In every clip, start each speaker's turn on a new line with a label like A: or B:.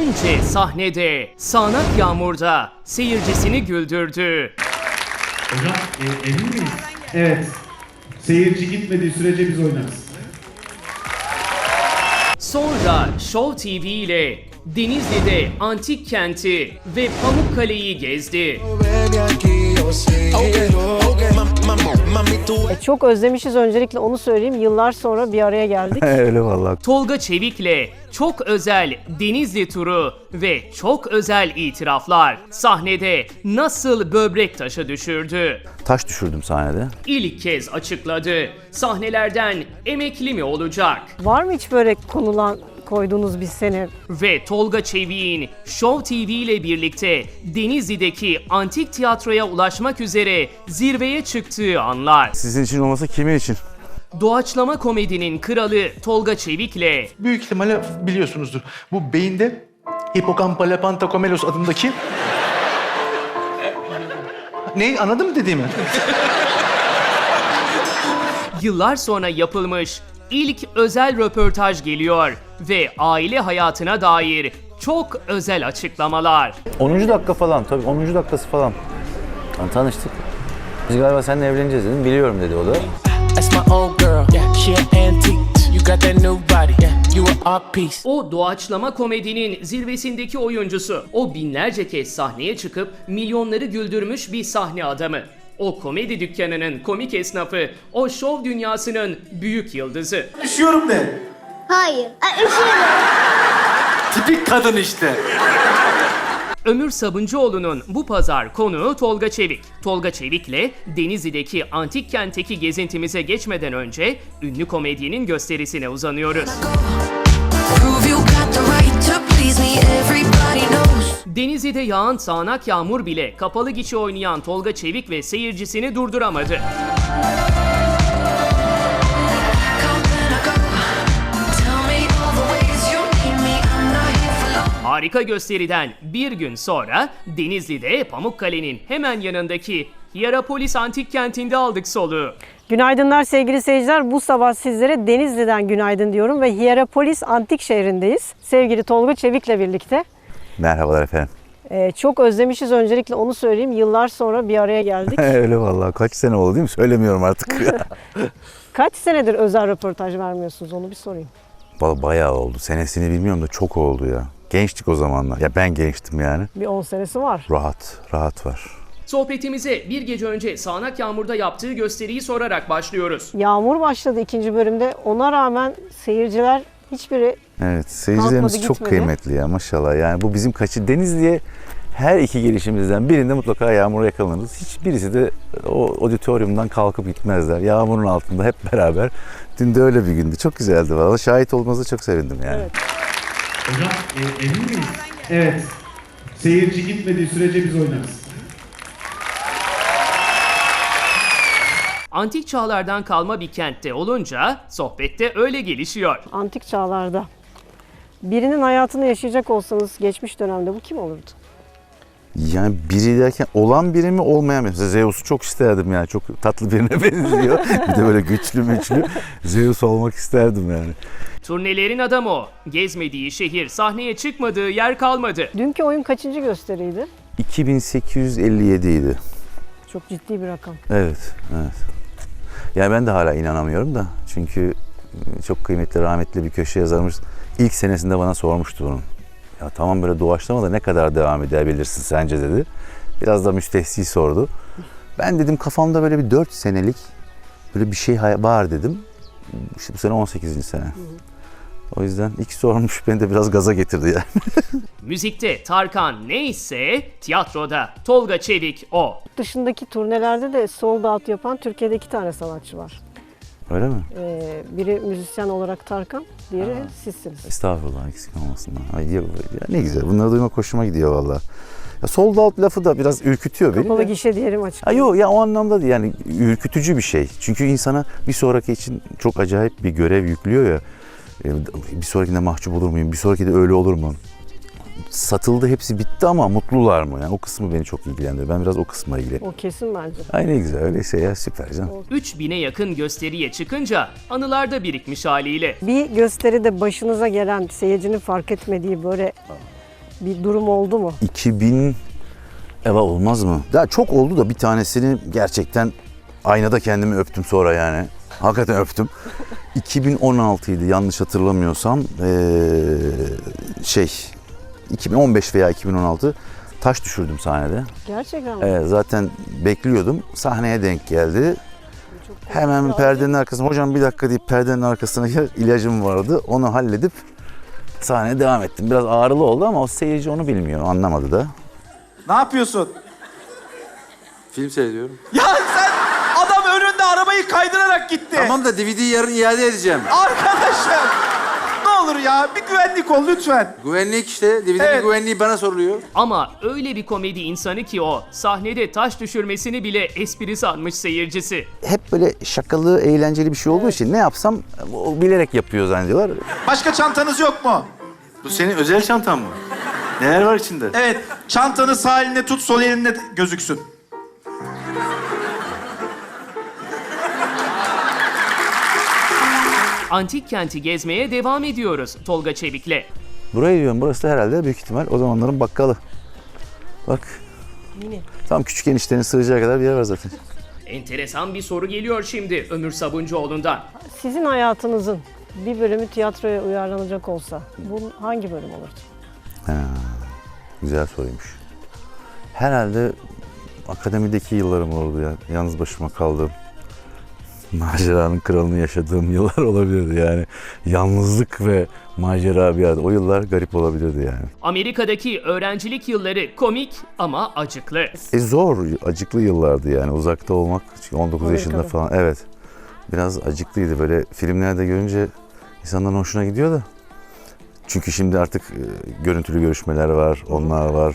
A: önce sahnede, sağanak yağmurda seyircisini güldürdü.
B: Hocam emin miyiz? Evet. Seyirci gitmediği sürece biz oynarız.
A: Sonra Show TV ile Denizli'de antik kenti ve Pamukkale'yi gezdi.
C: Çok özlemişiz, öncelikle onu söyleyeyim. Yıllar sonra bir araya geldik.
D: Öyle vallahi.
A: Tolga Çevik'le çok özel Denizli turu ve çok özel itiraflar sahnede nasıl böbrek taşı düşürdü.
D: Taş düşürdüm sahnede.
A: İlk kez açıkladı. Sahnelerden emekli mi olacak?
C: Var mı hiç böyle koyduğunuz bir sene?
A: Ve Tolga Çevik'in Show TV ile birlikte Denizli'deki antik tiyatroya ulaşmak üzere zirveye çıktığı anlar.
D: Sizin için olmasa kimin için?
A: Doğaçlama komedinin kralı Tolga Çevik'le
E: Büyük ihtimalle biliyorsunuzdur. Bu beyinde Hippocampus pentacomelos adındaki... Ne? Anladın mı dediğimi?
A: yıllar sonra yapılmış ilk özel röportaj geliyor ve aile hayatına dair çok özel açıklamalar.
D: 10. dakika falan, tabii 10. dakikası falan. Yani tanıştık. Biz galiba seninle evleneceğiz dedim. Biliyorum dedi o da.
F: That's my old girl, yeah, she an antique. You got that new body, yeah, you an art piece.
A: O doğaçlama komedinin zirvesindeki oyuncusu. O binlerce kez sahneye çıkıp milyonları güldürmüş bir sahne adamı. O komedi dükkanının komik esnafı, o şov dünyasının büyük yıldızı.
E: Üşüyorum de.
G: Hayır. Üşüyorum.
E: Tipik kadın işte.
A: Ömür Sabuncuoğlu'nun bu pazar konuğu Tolga Çevik. Tolga Çevik'le Denizli'deki antik kentteki gezintimize geçmeden önce ünlü komedyenin gösterisine uzanıyoruz. Denizli'de yağan sağanak yağmur bile kapalı gişe oynayan Tolga Çevik ve seyircisini durduramadı. Harika gösteriden bir gün sonra Denizli'de Pamukkale'nin hemen yanındaki Hierapolis Antik Kenti'nde aldık soluğu.
C: Günaydınlar sevgili seyirciler. Bu sabah sizlere Denizli'den günaydın diyorum ve Hierapolis Antik şehrindeyiz. Sevgili Tolga Çevik'le birlikte.
D: Merhabalar efendim.
C: Çok özlemişiz, öncelikle onu söyleyeyim. Yıllar sonra bir araya geldik.
D: Öyle vallahi. Kaç sene oldu değil mi? Söylemiyorum artık.
C: Kaç senedir özel röportaj vermiyorsunuz, onu bir sorayım.
D: Bayağı oldu. Senesini bilmiyorum da çok oldu ya. Gençtik o zamanlar. Ya ben gençtim yani.
C: Bir 10 senesi var.
D: Rahat var.
A: Sohbetimize bir gece önce sağanak yağmurda yaptığı gösteriyi sorarak başlıyoruz.
C: Yağmur başladı ikinci bölümde. Ona rağmen seyirciler hiçbiri
D: Evet, seyircilerimiz
C: kalkmadı,
D: çok
C: gitmedi.
D: kıymetli ya maşallah. Yani bu bizim Denizli'ye her iki gelişimizden birinde mutlaka yağmura yakalanırız. Hiçbirisi de o auditoriumdan kalkıp gitmezler. Yağmurun altında hep beraber. Dün de öyle bir gündü. Çok güzeldi valla. Şahit olmanıza çok sevindim yani.
C: Evet.
B: Hocam emin miyiz? Evet. Seyirci gitmediği sürece biz oynarız.
A: Antik çağlardan kalma bir kentte olunca sohbette öyle gelişiyor.
C: Antik çağlarda birinin hayatını yaşayacak olsanız geçmiş dönemde bu kim olurdu?
D: Yani biri derken olan biri mi olmayan biri? Mesela Zeus'u çok isterdim yani. Çok tatlı birine benziyor. Bir de böyle güçlü Zeus olmak isterdim yani.
A: Turnelerin adamı o. Gezmediği şehir, sahneye çıkmadığı yer kalmadı.
C: Dünkü oyun kaçıncı gösteriydi?
D: 2857 idi.
C: Çok ciddi bir rakam.
D: Evet. Yani ben de hala inanamıyorum da. Çünkü çok kıymetli, rahmetli bir köşe yazarımız ilk senesinde bana sormuştu bunu. Ya tamam böyle doğaçlama da ne kadar devam edebilirsin sence dedi. Biraz da müstehsi sordu. Ben dedim kafamda böyle bir 4 senelik böyle bir şey var dedim. İşte bu sene 18. sene. O yüzden ilk sormuş beni de biraz gaza getirdi yani.
A: Müzikte Tarkan neyse tiyatroda Tolga Çevik o.
C: Dışındaki turnelerde de sold out yapan Türkiye'de 2 tane sanatçı var.
D: Öyle mi?
C: Biri müzisyen olarak Tarkan, diğeri sizsiniz.
D: Estağfurullah eksik olmasınlar. Ay, ya ne güzel. Bunları duymak hoşuma gidiyor valla. Ya sold out lafı da biraz ürkütüyor beni.
C: Kapalı
D: de.
C: gişe diyelim açık.
D: Yok ya o anlamda değil yani ürkütücü bir şey. Çünkü insana bir sonraki için çok acayip bir görev yüklüyor ya. Bir sonrakinde mahcup olur muyum? Bir sonraki de öyle olur mu? Satıldı, hepsi bitti ama mutlular mı? Yani o kısmı beni çok ilgilendiriyor. Ben biraz o kısma ilgileniyorum.
C: O kesin bence.
D: Ay ne güzel öyle şey ya, süper canım.
A: 3000'e yakın gösteriye çıkınca anılarda birikmiş haliyle.
C: Bir gösteride başınıza gelen, seyircinin fark etmediği böyle bir durum oldu mu?
D: 2000 eva olmaz mı? Daha çok oldu da bir tanesini gerçekten aynada kendimi öptüm sonra yani. Hakikaten öptüm. 2016'ydı yanlış hatırlamıyorsam. 2015 veya 2016 taş düşürdüm sahnede.
C: Gerçekten mi?
D: Zaten bekliyordum. Sahneye denk geldi. Hemen perdenin arkasına, hocam bir dakika deyip perdenin arkasına ilacım vardı. Onu halledip sahneye devam ettim. Biraz ağrılı oldu ama o seyirci onu bilmiyor, anlamadı da.
H: Ne yapıyorsun?
I: Film seyrediyorum.
H: Ya sen adam önünde arabayı kaydırarak gitti.
I: Tamam da DVD'yi yarın iade edeceğim.
H: Arkadaşım ne olur ya bir güvenlik ol lütfen.
I: Güvenlik işte. DVD'nin
H: Evet.
I: güvenliği bana soruluyor.
A: Ama öyle bir komedi insanı ki o, sahnede taş düşürmesini bile espri sanmış seyircisi.
D: Hep böyle şakalı, eğlenceli bir şey olduğu için ne yapsam o bilerek yapıyor zannediyorlar.
H: Başka çantanız yok mu?
E: Bu senin özel çantan mı? Neler var içinde?
H: Evet çantanı sağ eline tut sol elinle gözüksün.
A: Antik kenti gezmeye devam ediyoruz Tolga Çevik'le.
D: Burayı diyorum, burası da herhalde büyük ihtimal o zamanların bakkalı. Bak.
C: Mini.
D: Tam küçük eniştenin sığacağı kadar bir yer var zaten.
A: Enteresan bir soru geliyor şimdi Ömür Sabuncuoğlu'ndan.
C: Sizin hayatınızın bir bölümü tiyatroya uyarlanacak olsa bu hangi bölüm olurdu?
D: Güzel soruymuş. Herhalde akademideki yıllarım oldu ya. Yalnız başıma kaldığım, maceranın kralını yaşadığım yıllar olabilirdi yani. Yalnızlık ve macera bir yerde. O yıllar garip olabilirdi yani.
A: Amerika'daki öğrencilik yılları komik ama acıklı.
D: Zor, acıklı yıllardı yani. Uzakta olmak, çünkü 19 yaşında
C: Amerika'da.
D: falan. Evet. Biraz acıklıydı. Böyle filmlerde görünce insanların hoşuna gidiyor da. Çünkü şimdi artık görüntülü görüşmeler var, onlar var,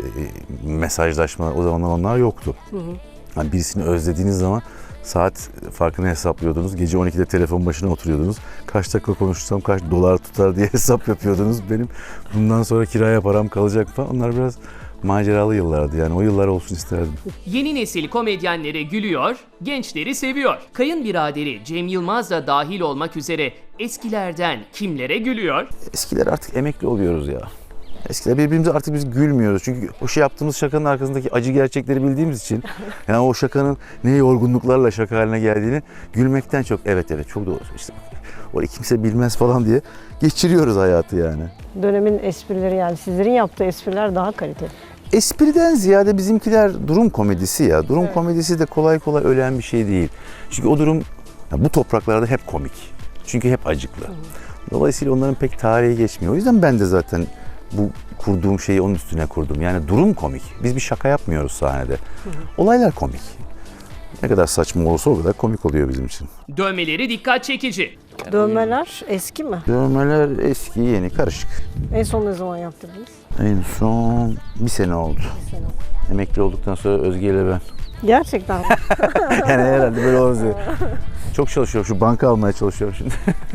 D: mesajlaşmalar. O zamanlar onlar yoktu. Yani birisini özlediğiniz zaman saat farkını hesaplıyordunuz. Gece 12'de telefon başına oturuyordunuz. Kaç dakika konuşursam kaç dolar tutar diye hesap yapıyordunuz. Benim bundan sonra kiraya param kalacak falan. Onlar biraz maceralı yıllardı yani. O yıllar olsun isterdim.
A: Yeni nesil komedyenlere gülüyor, gençleri seviyor. Kayınbiraderi Cem Yılmaz da dahil olmak üzere eskilerden kimlere gülüyor?
D: Eskiler artık emekli oluyoruz ya. Eskiler birbirimize artık biz gülmüyoruz. Çünkü o şey yaptığımız şakanın arkasındaki acı gerçekleri bildiğimiz için yani o şakanın ne yorgunluklarla şaka haline geldiğini gülmekten çok evet çok doğru işte orayı kimse bilmez falan diye geçiriyoruz hayatı yani.
C: Dönemin esprileri yani sizlerin yaptığı espriler daha kaliteli.
D: Espriden ziyade bizimkiler durum komedisi ya. Durum komedisi de kolay kolay ölen bir şey değil. Çünkü o durum ya bu topraklarda hep komik. Çünkü hep acıklı. Dolayısıyla onların pek tarihi geçmiyor. O yüzden ben de zaten bu kurduğum şeyi onun üstüne kurdum. Yani durum komik. Biz bir şaka yapmıyoruz sahnede. Olaylar komik. Ne kadar saçma olursa o kadar komik oluyor bizim için.
A: Dövmeleri dikkat çekici.
C: Dövmeler eski mi?
D: Dövmeler eski, yeni, karışık.
C: En son ne zaman yaptırdınız?
D: En son bir sene oldu. Emekli olduktan sonra Özge ile ben.
C: Gerçekten mi?
D: Yani herhalde böyle olur. Çok çalışıyorum. Şu banka almaya çalışıyorum şimdi.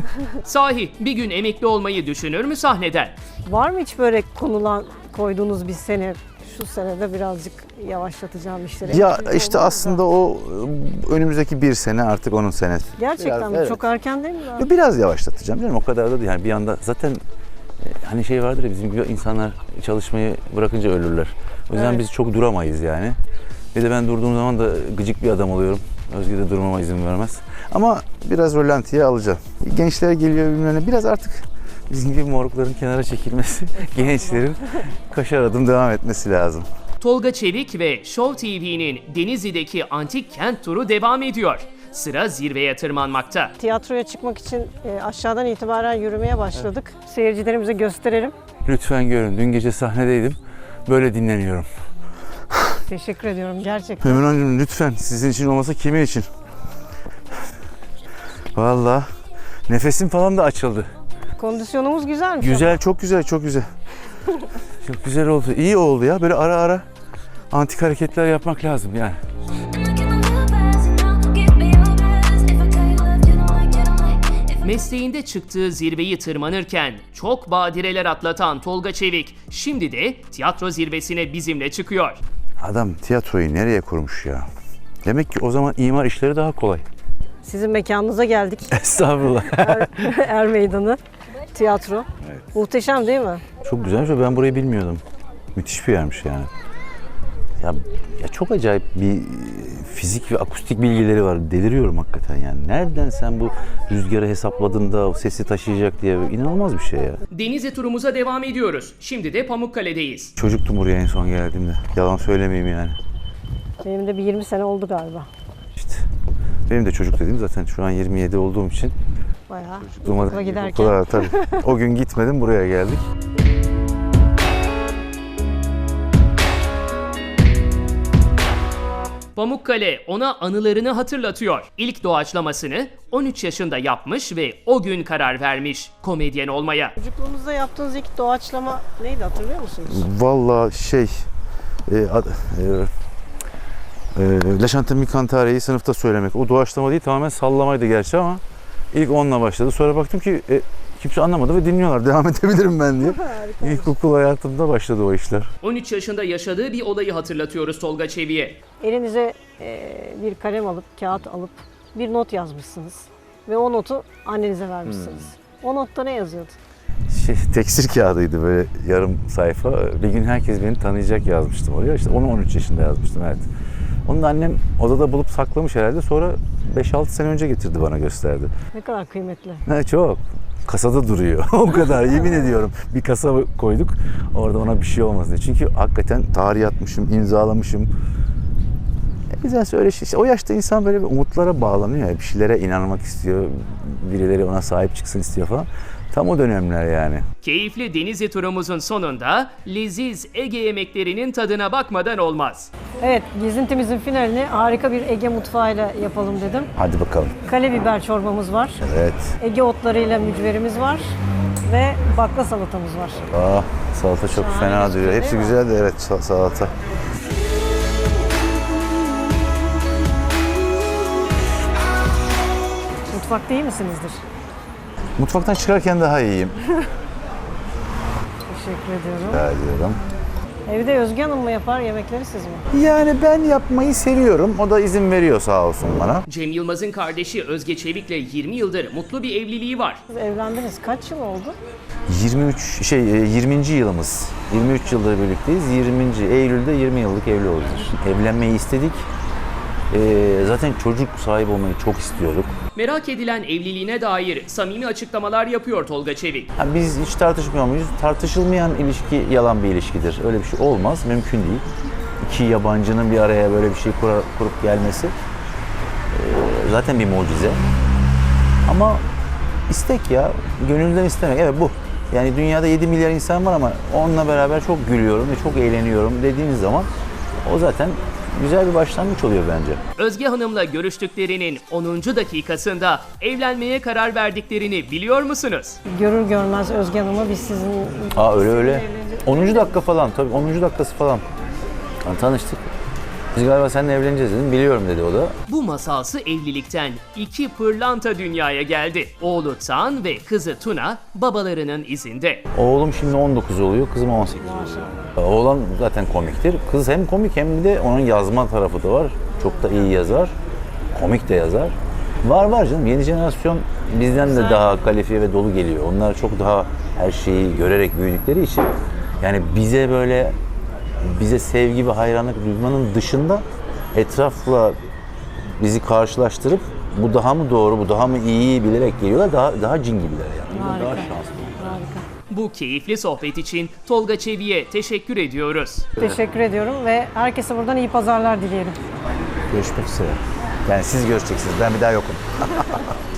A: Sahi bir gün emekli olmayı düşünür mü sahneden?
C: Var mı hiç böyle koyduğunuz bir sene, şu senede birazcık yavaşlatacağım işleri?
D: Ya
C: Emekli
D: işte
C: olmaz
D: aslında
C: da.
D: o önümüzdeki bir sene artık onun senesi.
C: Gerçekten
D: Biraz,
C: mi?
D: evet.
C: Çok erken değil mi? daha?
D: Ya biraz yavaşlatacağım canım, o kadar da değil. Yani bir anda zaten hani şey vardır ya, bizim gibi insanlar çalışmayı bırakınca ölürler. O yüzden
C: Evet.
D: biz çok duramayız yani. Bir de ben durduğum zaman da gıcık bir adam oluyorum. Özge de durmama izin vermez. Ama biraz rölantiye alacağım. Gençler geliyor bilmem ne. Biraz artık bizim gibi morukların kenara çekilmesi, gençlerin kaşar adım devam etmesi lazım.
A: Tolga Çevik ve Show TV'nin Denizli'deki antik kent turu devam ediyor. Sıra zirveye tırmanmakta.
C: Tiyatroya çıkmak için aşağıdan itibaren yürümeye başladık. Seyircilerimize gösterelim.
D: Lütfen görün. Dün gece sahnedeydim. Böyle dinleniyorum.
C: Teşekkür ediyorum gerçekten.
D: Ömür Hanımcığım lütfen, sizin için olmasa kimin için? Vallahi nefesim falan da açıldı.
C: Kondisyonumuz güzelmiş.
D: Güzel, çok güzel, çok güzel. Çok güzel oldu. İyi oldu ya. Böyle ara ara antik hareketler yapmak lazım yani.
A: Mesleğinde çıktığı zirveyi tırmanırken çok badireler atlatan Tolga Çevik şimdi de tiyatro zirvesine bizimle çıkıyor.
D: Adam tiyatroyu nereye kurmuş ya? Demek ki o zaman imar işleri daha kolay.
C: Sizin mekanınıza geldik.
D: Estağfurullah.
C: Er Meydanı tiyatro. Muhteşem değil mi?
D: Çok güzelmiş ve ben burayı bilmiyordum. Müthiş bir yermiş yani. Ya çok acayip bir fizik ve akustik bilgileri var. Deliriyorum hakikaten yani. Nereden sen bu rüzgarı hesapladın da o sesi taşıyacak diye, inanılmaz bir şey ya.
A: Denizli turumuza devam ediyoruz. Şimdi de Pamukkale'deyiz.
D: Çocuktum buraya en son geldiğimde. Yalan söylemeyeyim yani.
C: Benim de bir 20 sene oldu galiba.
D: İşte benim de çocuk dediğim zaten şu an 27 olduğum için.
C: Bayağı
D: Okula
C: okula giderken.
D: Okula, tabii. O gün gitmedim, buraya geldik.
A: Pamukkale ona anılarını hatırlatıyor. İlk doğaçlamasını 13 yaşında yapmış ve o gün karar vermiş komedyen olmaya.
C: Çocukluğumuzda yaptığınız ilk doğaçlama neydi, hatırlıyor musunuz?
D: Vallahi La Chante Mi Cantare'yi sınıfta söylemek. O doğaçlama değil, tamamen sallamaydı gerçi ama ilk onunla başladı. Sonra baktım ki kimse anlamadı ve dinliyorlar. Devam edebilirim ben diye. İlkokul hayatımda başladı o işler.
A: 13 yaşında yaşadığı bir olayı hatırlatıyoruz Tolga Çevik'e.
C: Elinize bir kalem alıp, kağıt alıp bir not yazmışsınız. Ve o notu annenize vermişsiniz. O notta ne yazıyordu?
D: Tekstil kağıdıydı, böyle yarım sayfa. Bir gün herkes beni tanıyacak yazmıştım oraya. İşte onu 13 yaşında yazmıştım, evet. Onu da annem odada bulup saklamış herhalde. Sonra 5-6 sene önce getirdi, bana gösterdi.
C: Ne kadar kıymetli.
D: Çok. Kasada duruyor. O kadar, yemin ediyorum. Bir kasa koyduk orada, ona bir şey olmasın diye. Çünkü hakikaten tarih atmışım, imzalamışım. Güzel öyle şey. İşte o yaşta insan böyle bir umutlara bağlanıyor ya. Bir şeylere inanmak istiyor. Birileri ona sahip çıksın istiyor falan. Tam o dönemler yani.
A: Keyifli Denizli turumuzun sonunda leziz Ege yemeklerinin tadına bakmadan olmaz.
C: Evet, gezintimizin finalini harika bir Ege mutfağıyla yapalım dedim.
D: Hadi bakalım.
C: Kale biber çorbamız var.
D: Evet.
C: Ege otlarıyla mücverimiz var. Ve bakla salatamız var.
D: Salata çok
C: Şahane
D: fena
C: gözüküyor,
D: duruyor. Hepsi
C: değil mi?
D: güzel de evet, salata.
C: Mutfakta iyi misinizdir?
D: Mutfaktan çıkarken daha iyiyim.
C: Teşekkür ediyorum.
D: Rica ediyorum.
C: Evde Özge Hanım mı yapar yemekleri, siz mi?
D: Yani ben yapmayı seviyorum. O da izin veriyor sağ olsun bana.
A: Cem Yılmaz'ın kardeşi Özge Çevik'le 20 yıldır mutlu bir evliliği var.
C: Siz evlendiniz. Kaç yıl oldu?
D: 20. yılımız. 23 yıldır birlikteyiz. 20. Eylül'de 20 yıllık evli olacağız. Evlenmeyi istedik. Zaten çocuk sahibi olmayı çok istiyorduk.
A: Merak edilen evliliğine dair samimi açıklamalar yapıyor Tolga Çevik.
D: Biz hiç tartışmıyor muyuz? Tartışılmayan ilişki yalan bir ilişkidir. Öyle bir şey olmaz, mümkün değil. İki yabancının bir araya böyle bir şey kurup gelmesi zaten bir mucize. Ama istek ya, gönülden istemek. Evet, bu. Yani dünyada 7 milyar insan var ama onunla beraber çok gülüyorum ve çok eğleniyorum dediğiniz zaman o zaten güzel bir başlangıç oluyor bence.
A: Özge Hanım'la görüştüklerinin 10. dakikasında evlenmeye karar verdiklerini biliyor musunuz?
C: Görür görmez Özge Hanım'ı biz sizin...
D: Öyle. 10. dakika falan, tabii 10. dakikası falan. Yani tanıştık. Biz galiba seninle evleneceğiz dedim. Biliyorum dedi o da.
A: Bu masalsı evlilikten 2 pırlanta dünyaya geldi. Oğlu Tan ve kızı Tuna babalarının izinde.
D: Oğlum şimdi 19 oluyor, kızım 18 oluyor. Oğlan zaten komiktir. Kız hem komik hem de onun yazma tarafı da var. Çok da iyi yazar. Komik de yazar. Var canım. Yeni jenerasyon bizden de daha kalifiye ve dolu geliyor. Onlar çok daha her şeyi görerek büyüdükleri için yani bize sevgi ve hayranlık duymanın dışında etrafla bizi karşılaştırıp bu daha mı doğru, bu daha mı iyi bilerek geliyorlar. Daha cin gibiler yani.
C: Harika.
D: Daha şanslı.
C: Harika.
A: Bu keyifli sohbet için Tolga Çevik'e teşekkür ediyoruz.
C: Teşekkür ediyorum ve herkese buradan iyi pazarlar dileyelim.
D: Görüşmek üzere. Yani siz görüşeceksiniz. Ben bir daha yokum.